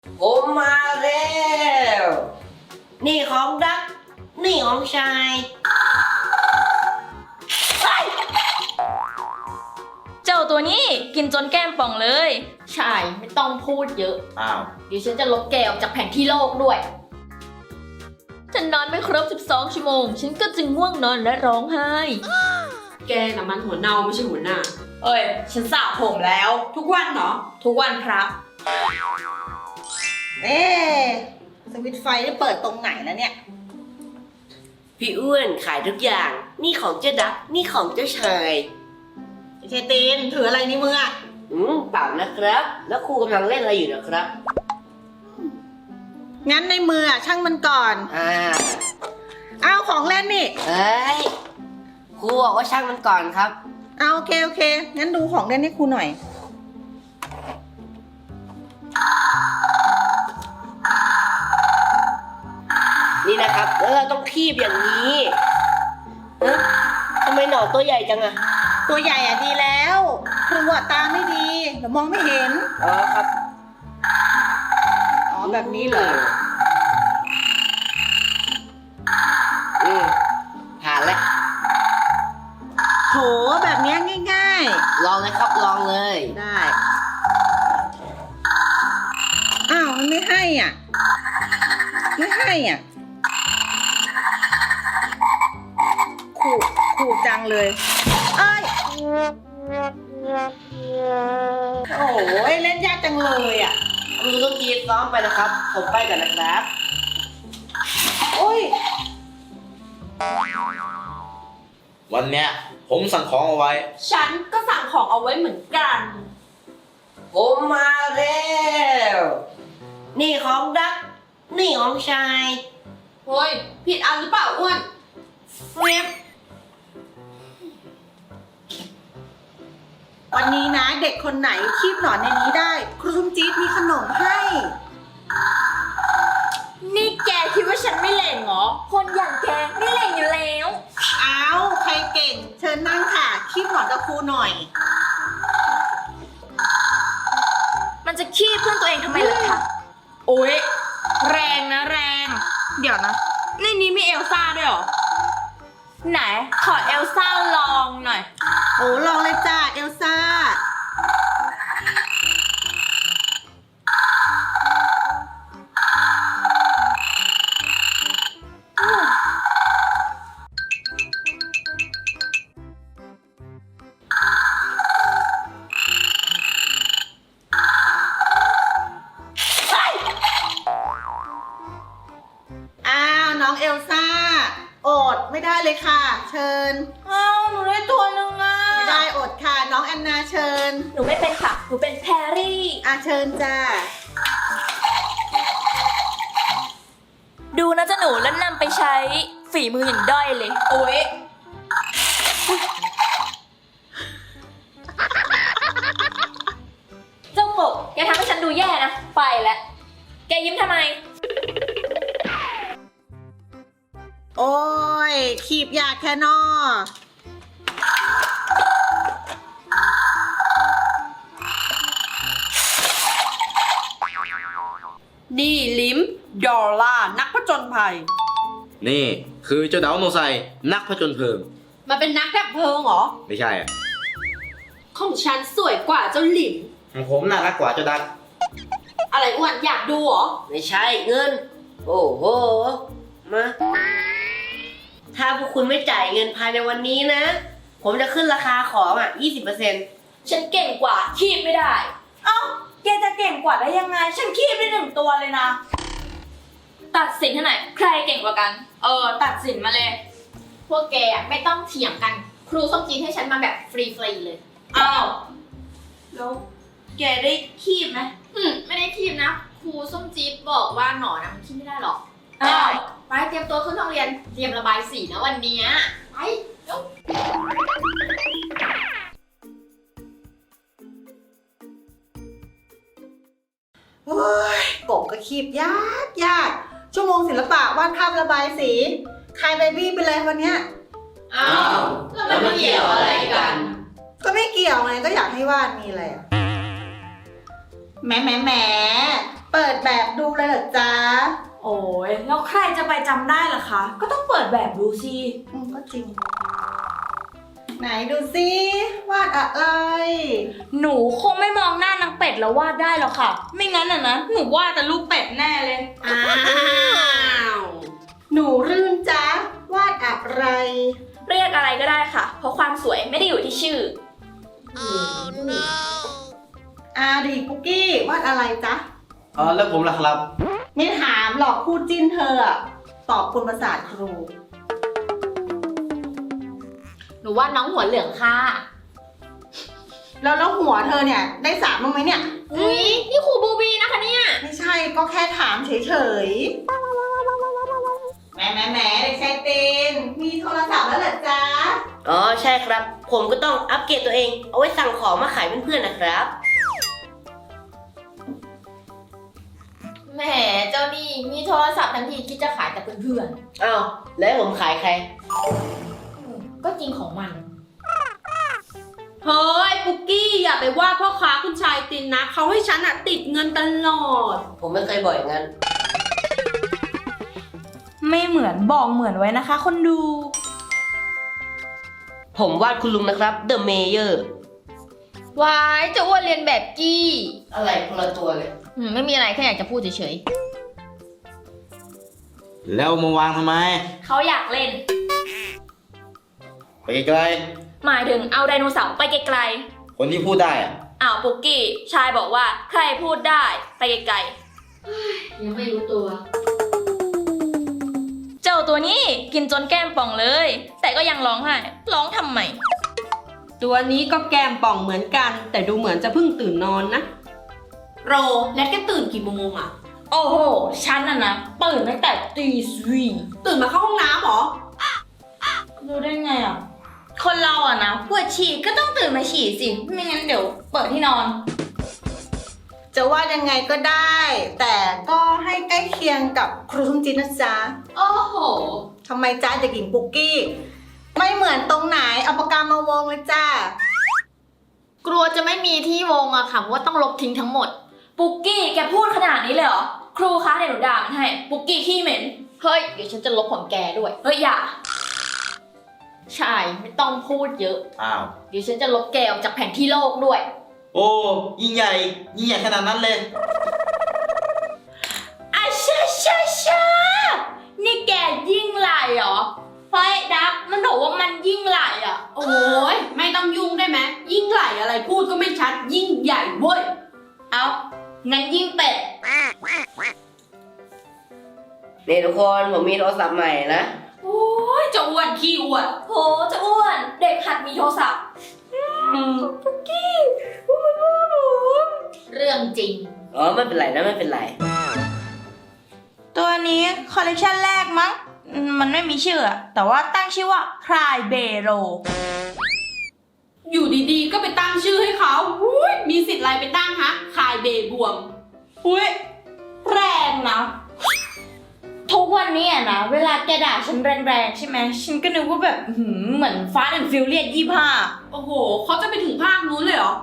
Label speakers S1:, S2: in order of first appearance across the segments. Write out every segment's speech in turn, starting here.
S1: ผมมาแล้วนี่ของดักนี่ของชาย
S2: เจ้าตัวนี้กินจนแก้มป่องเลย
S3: ใช่ไม่ต้องพูดเยอะ
S4: อ้าว
S3: เดี๋ยวฉันจะลบแกออกจากแผนที่โลกด้วย
S2: ฉันนอนไม่ครบ12 ชั่วโมง ฉันก็จึงง่วงนอนและร้องไห้
S5: แกน่ะมันหัวเน่าไม่ใช่หัวหน้า
S3: เอ้ย ฉันสระผมแล้ว
S5: ทุกวันเหรอ
S3: ทุกวันครับ
S6: สวิตช์ไฟได้เปิดตรงไหนแล้วเนี่ย
S1: พี่อ้วนขายทุกอย่าง นี่ของเจ้าดักนี่ของเจ้าชาย
S6: เชตีนถืออะไรในมืออะ
S1: เปล่านะครับ แล้วครูกำลังเล่นอะไรอยู่นะครับ
S6: งั้นในมืออะช่างมันก่อน เอาของเล่นนี่
S1: เอ้ยครูบอกว่าช่างมันก่อนครับ
S6: เอาโอเคโอเค งั้นดูของเล่นให้ครูหน่อย
S1: นี่นะครับแล้วเราต้องคีบอย่างนี้เอ๊ะทำไมหนอนตัวใหญ่จังอะ
S6: ตัวใหญ่อะดีแล้วครูอะตาไม่ดีเดี๋ยวมองไม่เห็น
S1: อ๋อครับ
S6: อ๋อแบบนี้เหรอ
S1: ผ่านแล้ว
S6: โถแบบเนี้ยง่าย
S1: ลองเลยครับลองเลย
S6: ๆ ได้ อ้าวมันไม่ให้อ่ะ ไม่ให้อ่ะขู่จังเลย เอ้ย โอ้ยเล่นยากจังเลยอ่ะ
S1: ครูต้องกีดซ้อมไปนะครับ ผมไปก่อนนะครับ
S6: โอ้ย
S4: วันเนี้ยผมสั่งของเอาไว้
S3: ฉันก็สั่งของเอาไว้เหมือนกัน
S1: ผมมาแล้วนี่ของดักนี่ของชาย
S3: เฮ้ย ผิดอันหรือเปล่าอ้วน
S1: เว็บ
S6: วันนี้นะเด็กคนไหนคีบหนอนในนี้ได้ ครูส้มจี๊ดมีขนมให้
S3: นี่แกคิดว่าฉันไม่เล่นเหรอ
S2: คนอย่างแกไม่เล่นอยู่แล้ว
S6: อ้าว ใครเก่ง เชิญนั่งค่ะ คีบหนอนกับครูหน่อย
S2: มันจะขี้เพื่อนตัวเองทำไมล่ะคะ
S3: โอ๊ย แรงนะแรง เดี๋ยวนะ ในนี้มีเอลซ่าด้วยเหรอ ไหน ขอเอลซ่าลองหน่อย
S6: โอ้ลองเลยจ้าเอลซ่า อ้าว น้องเอลซ่า อดไม่ได้เลยค่ะ เชิญ
S3: อ้าวหนูได้ตัวหนึ่งอ่ะ
S6: ไม่ได้อดค่ะ น้องแอนนาเชิญ
S2: หนูไม่เป็นค่ะ หนูเป็นแพรรี่
S6: เชิญจ้า
S2: ดูนะจ๊ะหนูแล้วนำไปใช้ฝีมืออย่างด้อยเลย
S3: โอ๊ย
S2: เจ้ากบแกทำให้ฉันดูแย่นะ ไปแล้ว แกยิ้มทำไม
S6: โอ้ย ขีบยากแค่นอ
S5: นี่ลิมดอลล่านักผจญภัย
S4: นี่คือเจ้าดาวโนไซนักผจญเพลิง
S5: มาเป็นนักดับเพลิงเหรอ
S4: ไม่ใช่อ่ะ
S5: ของฉันสวยกว่าเจ้าหลิม
S4: ของผมน่ารักกว่าเจ้าดัก
S5: อะไรอ้วนอยากดูเหรอ
S1: ไม่ใช่เงิน โอ้โหมาถ้าพวกคุณไม่จ่ายเงินภายในวันนี้นะ ผมจะขึ้นราคาของ20%
S2: ฉันเก่งกว่าคีบไม่ได้
S3: เอ้า แกจะเก่งกว่าได้ยังไง ฉันคีบได้1 ตัวเลยนะ
S2: ตัดสินให้หน่อยใครเก่งกว่ากัน
S3: ตัดสินมาเลย พวกแกอะไม่ต้องเถียงกัน ครูส้มจีนให้ฉันมาแบบฟรีๆเลย
S2: อ้าว
S3: แล้วแกได้คีบไหมไม่ได้คีบนะ ครูส้มจี๊ดบอกว่าหนอนนะมันคีบไม่ได้หรอก
S2: อ้าว
S3: ไปเตรียมตัวขึ้นห้องเรียน เตรียมระบายสีนะวันเนี้ยไปเร็ว
S6: โอ้ยกบก็คีบยากยาก ชั่วโมงศิลปะวาดภาพระบายสีคายเบบี้ไปเลยวันเนี้ย
S3: อ้าวแล้วมันเกี่ยวอะไรกัน
S6: ก็ไม่เกี่ยวไงก็อยากให้วาดมีอะไรอะแหมเปิดแบบดูเลยเหรอจ๊ะ
S3: โอ้ยแล้วใครจะไปจำได้ล่ะคะ ก็ต้องเปิดแบบดูสิ
S6: ก็จริง ไหนดูซิวาดอะไร
S3: หนูคงไม่มองหน้านางเป็ดแล้ววาดได้หรอกค่ะ ไม่งั้นนะหนูวาดแต่รูปเป็ดแน่เลย
S5: อ้าว
S6: หนูรื่นจ๊ะวาดอะไร
S2: เรียกอะไรก็ได้ค่ะ เพราะความสวยไม่ได้อยู่ที่ชื่อ
S6: ดีปุกกี้วาดอะไรจ๊ะ
S4: แล้วผมล่ะครับ
S6: ไม่ถามหรอกคู่จิ้นเธออะตอบคุณประสาทครู
S2: หนูว่าน้องหัวเหลืองค่ะ
S6: แล้วหัวเธอเนี่ยได้สามบ้างไหมเนี่ย
S2: อุ้ยนี่ครูบูบีนะคะเนี่ย
S6: ไม่ใช่ก็แค่ถามเฉยๆแหมเด็กชายตีนมีโทรศัพท์แล้วเหรอจ๊ะ
S1: อ๋อใช่ครับ ผมก็ต้องอัปเกรดตัวเอง เอาไว้สั่งของมาขายเพื่อนๆนะครับ
S2: แหมเจ้านี่มีโทรศัพท์ทันทีคิดจะขายแต่เพื่อน
S1: อ้าวแล้วให้ผมขายใคร
S2: ๆก็จริงของมัน
S5: เฮ้ยปุกกี้อย่าไปว่าพ่อค้าคุณชายตินนะเขาให้ฉันอะติดเงินตลอด
S1: ผมไม่เคยบอกอย่างนั้น
S3: ไม่เหมือนบอกเหมือนไว้นะคะคนดู
S1: ผมวาดคุณลุงนะครับ The Mayor
S2: วายจะอ้วนเรียนแบบกี้
S1: อะไรคนละตัวเลย
S2: ไม่มีอะไรแค่อยากจะพูดเฉย
S4: แล้วมาวางทำไม
S2: ๆเขาอยากเล่น
S4: ไปไกล
S2: หมายถึงเอาไดโนเสาร์ไปไกล
S4: ๆคนที่พูดได้อะ
S2: ๆอ้าวปุกกี้ ชายบอกว่าใครพูดได้ไปไกลๆยังไม่รู้ตัว เจ้าตัวนี้กินจนแก้มป่องเลย แต่ก็ยังร้องไห้ร้องทำไม
S5: ตัวนี้ก็แก้มป่องเหมือนกัน แต่ดูเหมือนจะเพิ่งตื่นนอนนะ โรแนทแกตื่นกี่โมงอะ
S2: โอ้โห ฉันนะตื่นตั้งแต่ตีสี่
S5: ตื่นมาเข้าห้องน้ำเหรอ
S3: รู้ได้ไงอ่ะ คนเราอ่ะนะปวดฉี่ก็ต้องตื่นมาฉี่สิ ไม่งั้นเดี๋ยวเปิดที่นอน
S6: จะวาดยังไงก็ได้ แต่ก็ให้ใกล้เคียงกับครูทุ่มจินนะจ๊ะ
S2: โอ้โห
S6: ทำไมจ๊ะเด็กหญิงปุกกี้ ไม่เหมือนตรงไหนเอาปากกามาวงเลยจ้า
S2: กลัวจะไม่มีที่วงอะค่ะว่าต้องลบทิ้งทั้งหมด ปุกกี้แกพูดขนาดนี้เลยเหรอ ครูคะเดี๋ยวหนูด่ามันให้ ปุกกี้ขี้เหม็น เฮ้ย เดี๋ยวฉันจะลบของแกด้วย เฮ้ยอย่า ใช่ ไม่ต้องพูดเยอะ
S4: อ้าว
S2: เดี๋ยวฉันจะลบแกออกจากแผนที่โลกด้วย
S4: โอ้ยิ่งใหญ่ขนาดนั้นเลย
S3: อาชาชาชานี่แกยิ่งไหลเหรอเฮ้ยดักมันบอกว่ามันยิ่งไหลอ่ะ
S5: โอ้ยไม่ต้องยุ่งได้ไหมยิ่งไหลอะไรพูดก็ไม่ชัด ยิ่งใหญ่เว้ย
S3: เอางั้นยิ่งเป็ด
S1: นี่ทุกคนผมมีโทรศัพท์ใหม่นะ
S5: โอ้ยจะอ้วนขี้อ้วน
S2: โหจะอ้วน เด็กหัดมีโทรศัพท์ ปุกกี้เรื่องจริง
S1: อ๋อไม่เป็นไรนะไม่เป็นไร
S3: ตัวนี้คอลเลคชันแรกมั้ง มันไม่มีชื่ออะแต่ว่าตั้งชื่อว่า Cry Bero
S5: อยู่ดีๆ ก็ไปตั้งชื่อให้เขาอุ้ยมีสิทธิ์อะไรไปตั้งฮะคายเบบวม
S3: อุ้ยแรงนะ ทุกวันนี้อะนะ เวลาแกด่าฉันแรงๆใช่ไหม ฉันก็นึกว่าแบบเหมือนฟาสต์แอนด์ฟิวเรียส25
S5: โอ้โหเขาจะไปถึงภาคนู้นเลยเหรอ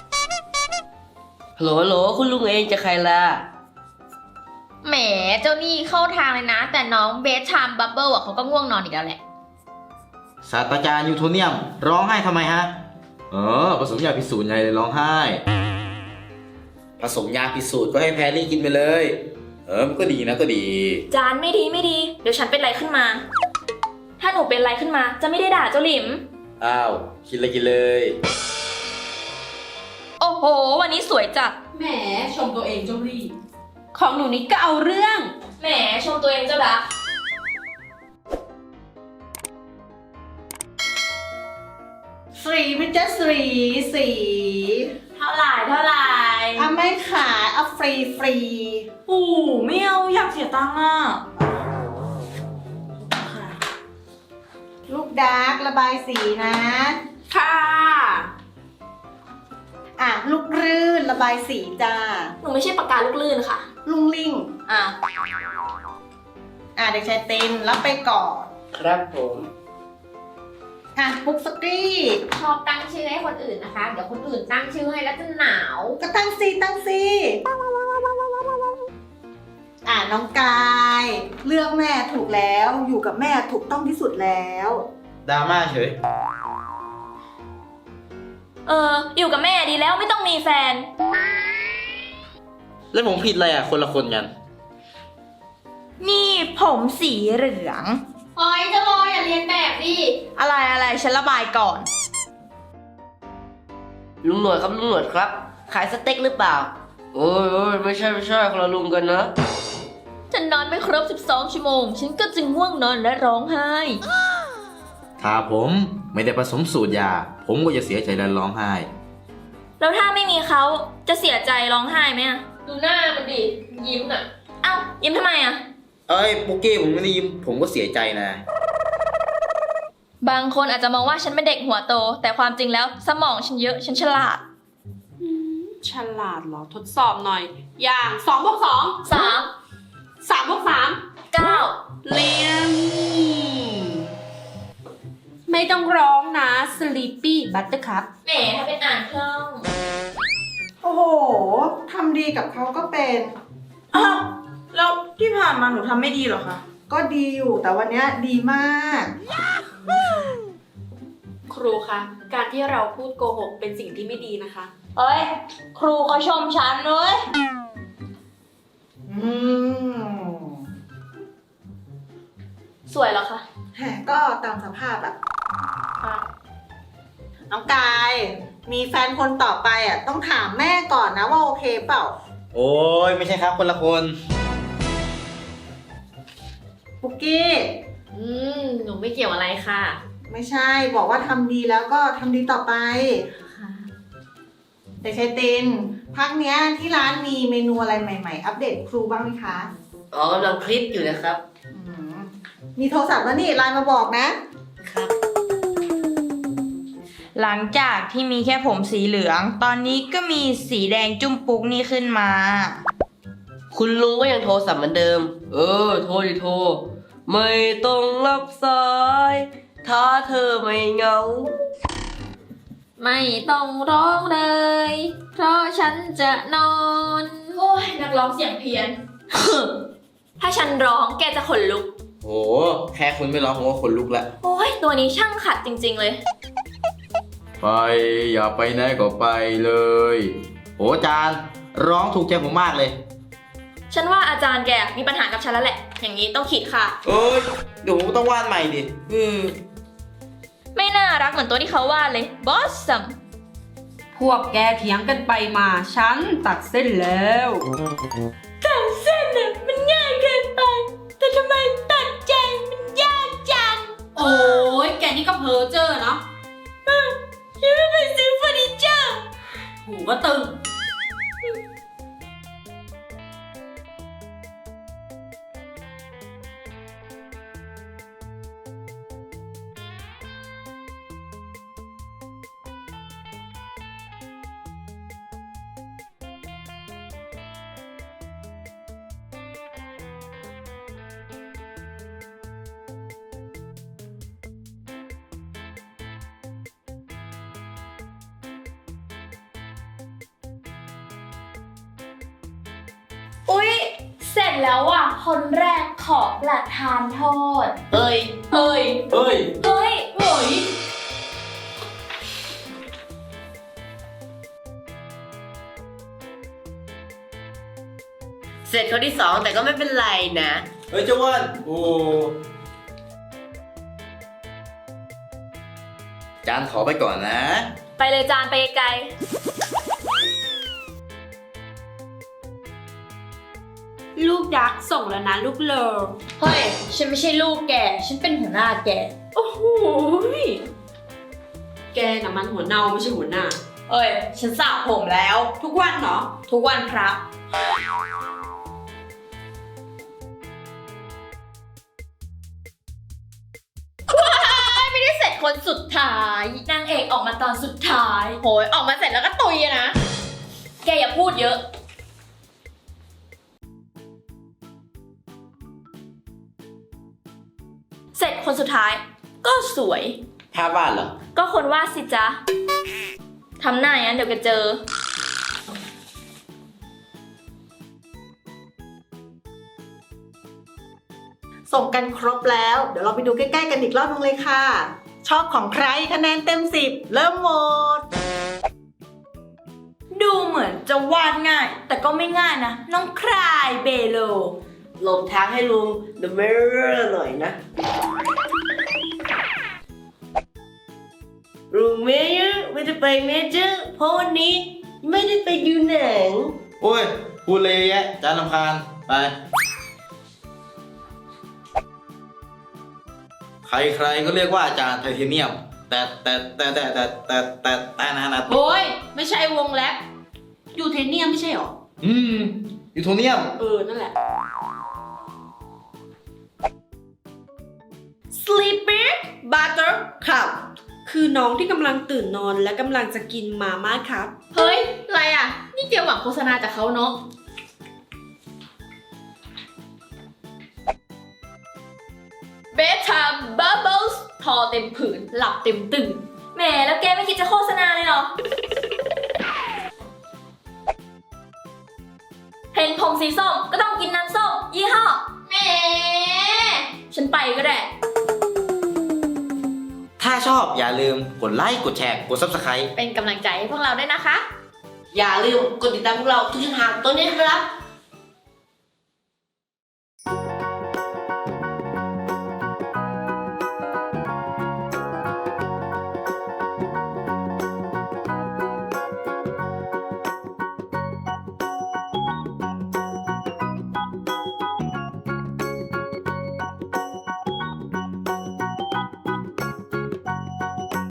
S1: ฮัลโหลคุณลุงเองจะใครล่ะ
S2: แหมเจ้านี่เข้าทางเลยนะ แต่น้องเบสชามบับเบิลอะเขาก็ง่วงนอนอีกแล้วแหละ
S4: ศาสตราจารย์ยูโทเนียมร้องไห้ทำไมฮะผสมยาพิสูจน์ไงเลยร้องไห้ ผสมยาพิสูจน์ก็ให้แพรรี่กินไปเลย มันก็ดีนะก็ดี
S2: จานไม่ดี เดี๋ยวฉันเป็นไรขึ้นมา ถ้าหนูเป็นไรขึ้นมา จะไม่ได้ด่าเจ้าหลิม
S4: อ้าวกินเลยกินเลย
S2: โอ้โห วันนี้สวยจัด
S5: แหมชมตัวเองเจ้ารี
S3: ของหนูนี่ก็เอาเรื่อง
S2: แหมชมตัวเองเจ้าดัก
S6: สีพิจสี
S3: เท่าไหร่
S6: เอาไม่ขายเอาฟรี
S3: ปู่ไม่เอาอยากเสียตังค์อ่ะ
S6: ลูกดาร์กระบายสีนะ
S5: ค่ะ
S6: ลูกรื่นระบายสีจ้า
S2: หนูไม่ใช่ปากกาลูกลื่นค่ะ
S6: ลุงลิง
S2: อ่ะ
S6: เด็กชายเต็นรับไปก่อน
S1: ครับผม
S6: ปุ๊กสกรี
S2: ชอบตั้งชื่อให้คนอื่นนะคะ เดี๋ยวคนอื่นตั้งชื่อให้แล้วจะหนาว
S6: ก็ตั้งซีน้องกายเลือกแม่ถูกแล้วอยู่กับแม่ถูกต้องที่สุดแล้ว
S4: ดราม่าเฉย
S2: อยู่กับแม่ดีแล้วไม่ต้องมีแฟน
S4: แล้วผมผิดอะไรอ่ะ คนละคนกัน
S3: นี่ผมสีเหลือง
S2: เฮ้ยจะรออย่าเรียนแบบดิ
S3: อะไรฉันระบายก่อน
S1: ลุงหนวดครับลุงหนวดครับ ขายสเต็กหรือเปล่า โอ้ยไม่ใช่คนละลุงกันนะ
S2: ฉันนอนไม่ครบ 12 ชั่วโมง ฉันก็จึงง่วงนอนและร้องไห้
S4: ถ้าผมไม่ได้ผสมสูตรยา ผมก็จะเสียใจและร้องไห้
S2: แล้วถ้าไม่มีเขาจะเสียใจร้องไห้ไหมอะดูหน้ามันดิ ยิ้มอะเอ้า ยิ้มทำไมอะ
S4: เอ้ยปุ๊กกี้ผมไม่ได้ยิ้มผมก็เสียใจนะ
S2: บางคนอาจจะมองว่าฉันเป็นเด็กหัวโต แต่ความจริงแล้วสมองฉันเยอะ ฉันฉลาด
S5: ฉลาดเหรอ ทดสอบหน่อย อย่าง2 บวก 2
S2: 3
S5: 3 บวก 3
S2: 9
S5: เรียนไม่ต้องร้องนะ Sleepy Buttercup
S2: แหมถ้าเป็นอ่านคล่อง
S6: โอ้โหทำดีกับเขาก็เป็น
S3: อ้าวแล้วที่ผ่านมาหนูทำไม่ดีเหรอคะ
S6: ก็ดีอยู่แต่วันเนี้ยดีมาก
S5: ครูคะ การที่เราพูดโกหกเป็นสิ่งที่ไม่ดีนะคะ
S3: เอ้ย ครูเขาชมฉันเลย
S6: อืม
S2: สวยเหรอคะ
S6: แหมก็ตามสภาพอะน้องกาย มีแฟนคนต่อไปอะต้องถามแม่ก่อนนะว่าโอเคเปล่า
S4: โอ้ยไม่ใช่ครับคนละคน
S6: ปุกกี้
S2: หนูไม่เกี่ยวอะไรค่ะ
S6: ไม่ใช่บอกว่าทำดีแล้วก็ทำดีต่อไปแต่ชัยตินพักเนี้ยที่ร้านมีเมนูอะไรใหม่ๆ อัปเดตครูบ้างไหมคะ
S1: อ๋อกำลังคลิปอยู่นะครับ
S6: อืมมีโทรศัพท์แล้วนี่ไลน์มาบอกนะ
S3: หลังจากที่มีแค่ผมสีเหลือง ตอนนี้ก็มีสีแดงจุ้มปุ๊กนี่ขึ้นมา
S1: คุณลุงก็ยังโทรศัพท์เหมือนเดิม โทรดิโทร ไม่ต้องรับสาย ถ้าเธอไม่เหงา
S2: ไม่ต้องร้องเลย เพราะฉันจะนอน โอ้ยนักร้องเสียงเพี้ยน ถ้าฉันร้องแกจะขนลุก
S4: โห แค่คุณไม่ร้องผมก็ขนลุกละ
S2: โอ้ยตัวนี้ช่างขัดจริงๆเลย
S4: ไปอย่าไปไหนก็ไปเลย โหจานร้องถูกใจผมมากเลย
S2: ฉันว่าอาจารย์แกมีปัญหากับฉันแล้วแหละ อย่างนี้ต้องขีดค่ะ
S4: เอ้ยเดี๋ยวผมต้องวาดใหม่ดิ
S2: ไม่น่ารักเหมือนตัวที่เขาวาดเลย บอสซัม
S5: พวกแกเถียงกันไปมา ฉันตัดเส้นแล้ว
S2: ตัดเส้นน่ะมันง่ายเกินไป แต่ทำไมตัดใจมันยากจัง
S5: โอ้ยแกนี่ก็เพ้อเจ้อเนาะ
S2: ฉันไม่ไปซื้อเฟอร์นิเจอร์
S5: หูก็ตึง
S2: อุ๊ย เสร็จแล้วอ่ะ คนแรกขอประทานโทษ
S1: เอ้ย
S2: เฮ้ย
S4: เฮ้ย
S2: เฮ้ยเฮ้ย
S1: เสร็จคนที่สองแต่ก็ไม่เป็นไรนะ
S4: เฮ้ยเจ้าอ้วนโอ้จานขอไปก่อนนะ
S2: ไปเลยจานไปไกล
S5: ลูกดักส่งแล้วนะลูกเลอ
S2: เฮ้ย ฉันไม่ใช่ลูกแก ฉันเป็นหัวหน้าแก
S5: โอ้โหยแกน่ะมันหัวเน่าไม่ใช่หัวหน้า
S3: เอ้ย ฉันสระผมแล้ว
S5: ทุกวันเหรอ
S3: ทุกวันพระ
S2: ไม่ได้เสร็จคนสุดท้าย นางเอกออกมาตอนสุดท้าย โหย ออกมาเสร็จแล้วก็ตุยอะนะ แกอย่าพูดเยอะ เสร็จคนสุดท้าย ก็สวย
S4: ภาพวาดเหรอ
S2: ก็คนวาดสิจ๊ะ ทำหน้าอย่างนั้นเดี๋ยวแกเจอ
S4: เ
S6: ส่งกันครบแล้ว เดี๋ยวเราไปดูใกล้ๆกันอีกรอบนึงเลยค่ะ ชอบของใครคะแนนเต็ม 10 เริ่มโหวต
S3: ดูเหมือนจะวาดง่าย แต่ก็ไม่ง่ายนะ น้องคลายเบโล
S1: หลบทางให้ลุง The Mirror หน่อยนะ ลุงเมเยอร์ไม่ได้ไปเมเจอร์เพราะวันนี้ไม่ได้ไปดูหนัง
S4: โอ้ย พูดเลยแยะจานลำคาญไป ใครๆก็เรียกว่าอาจารย์ไทเทเนียม แต่นะ
S5: โอ้ย ไม่ใช่วงแรปยูเทเนียมไม่ใช่หรอ
S4: ยูโทเนียม
S5: นั่นแหละ
S3: Sleepy
S5: Butter Cup คือน้องที่กำลังตื่นนอนและกำลังจะกินมาม่าครับ
S2: เฮ้ย อะไรอ่ะ นี่เตรียมหวังโฆษณาจากเขาเนาะ Bedtime Bubbles ทอเต็มผืน หลับเต็มตื่น แหม แล้วแกไม่คิดจะโฆษณาเลยเหรอ เห็นผมสีส้มก็ต้องกินน้ำส้มยี่ห้อแหม ฉันไปก็ได้
S4: ถ้าชอบอย่าลืมกดไลค์ กดแชร์ กด Subscribe
S2: เป็นกำลังใจให้พวกเราด้วยนะคะ
S1: อย่าลืมกดติดตามพวกเราทุกช่องทางตรงนี้ครับ